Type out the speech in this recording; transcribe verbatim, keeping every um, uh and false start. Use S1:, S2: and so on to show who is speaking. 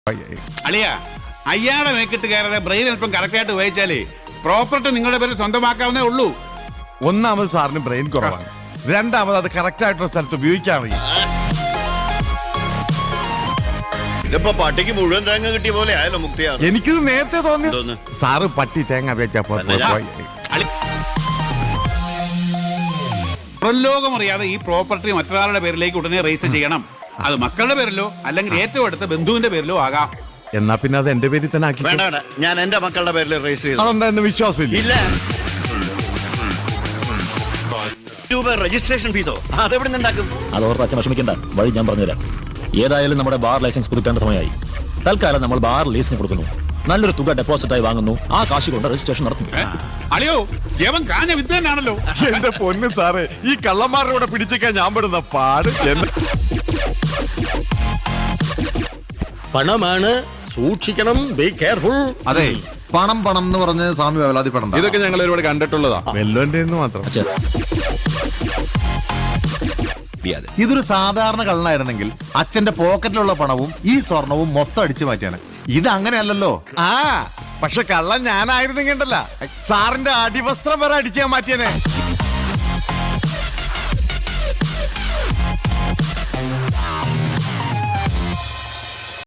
S1: അളിയ അയ്യാടെ മേക്കിട്ട് കയറാതെ ബ്രെയിൻ അല്പം കറക്റ്റായിട്ട് ഉപയോഗിച്ചാലേ പ്രോപ്പർട്ടി നിങ്ങളുടെ പേരിൽ സ്വന്തമാക്കാവുന്നേ ഉള്ളൂ.
S2: ഒന്നാമത് സാറിന് ബ്രെയിൻ കുറവാണ്, രണ്ടാമത് അത് കറക്റ്റ് ആയിട്ടുള്ള സ്ഥലത്ത് ഉപയോഗിക്കാൻ അറിയാം.
S3: ഇതിപ്പോ പട്ടിക്ക് മുഴുവൻ തേങ്ങ കിട്ടിയ പോലെ ആയല്ലോ മുക്തിയാ.
S2: എനിക്കിത് നേരത്തെ തോന്നി സാറ് പട്ടി തേങ്ങ വെച്ചപ്പോ
S1: പുറംലോകം അറിയാതെ ഈ പ്രോപ്പർട്ടി മറ്റൊരാളുടെ പേരിലേക്ക് ഉടനെ രജിസ്റ്റർ ചെയ്യണം. അത് മക്കളുടെ പേരിലോ അല്ലെങ്കിൽ ഏറ്റവും അടുത്ത ബന്ധുവിന്റെ പേരിലോ ആകാം.
S2: എന്നാ പിന്നെ അത് എന്റെ പേരിൽ തന്നെ ആക്കി.
S3: വേണ്ട വേണ്ട, ഞാൻ എന്റെ മക്കളുടെ പേരിൽ രജിസ്റ്റർ ചെയ്തു.
S2: അതെന്താ എന്നെ വിശ്വാസം
S3: ഇല്ല. രൂപ രജിസ്ട്രേഷൻ ഫീസോ അതെവിടെ നിന്നുണ്ടാക്കും?
S4: അതോർത്ത് അച്ഛൻ വിഷമിക്കണ്ട, വഴി ഞാൻ പറഞ്ഞുതരാം. ഏതായാലും നമ്മുടെ ബാർ ലൈസൻസ് പുതുക്കേണ്ട സമയമായി. തൽക്കാലം നമ്മൾ ബാർ ലീസിന് കൊടുക്കുന്നു, നല്ലൊരു തുക ഡെപ്പോസിറ്റായി വാങ്ങുന്നു, ആ കാശ് കൊണ്ട് രജിസ്ട്രേഷൻ നടത്തുന്നു.
S1: അളിയോ യവൻ കാഞ്ഞ വിത്ത് തന്നെയാണല്ലോ.
S2: എന്റെ പൊന്ന് സാറേ, ഈ കള്ളന്മാരുടെ കൂടെ പിടിച്ചേക്കാൻ ഞാൻ പെടുന്ന പാട്.
S5: പണമാണ്, സൂക്ഷിക്കണം, ബി കെയർഫുൾ.
S6: അതെ, പണം പണം എന്ന് പറഞ്ഞ് സ്വാമി വേവലാതിപ്പെടണ്ട.
S2: ഇതൊക്കെ ഞങ്ങൾ ഒരുപാട് കണ്ടിട്ടുള്ളതാ, വെല്ലോന്റെ മാത്രം.
S4: അച്ഛൻ
S6: ഇതൊരു സാധാരണ കള്ളനായിരുന്നെങ്കിൽ അച്ഛന്റെ പോക്കറ്റിലുള്ള പണവും ഈ സ്വർണവും മൊത്തം അടിച്ചു മാറ്റിയാണ്. ഇത് അങ്ങനെയല്ലല്ലോ.
S2: ആ പക്ഷെ കള്ളൻ ഞാനായിരുന്നെങ്കിണ്ടല്ല സാറിന്റെ അടിവസ്ത്രം വരെ അടിച്ചാൻ മാറ്റിയനെ.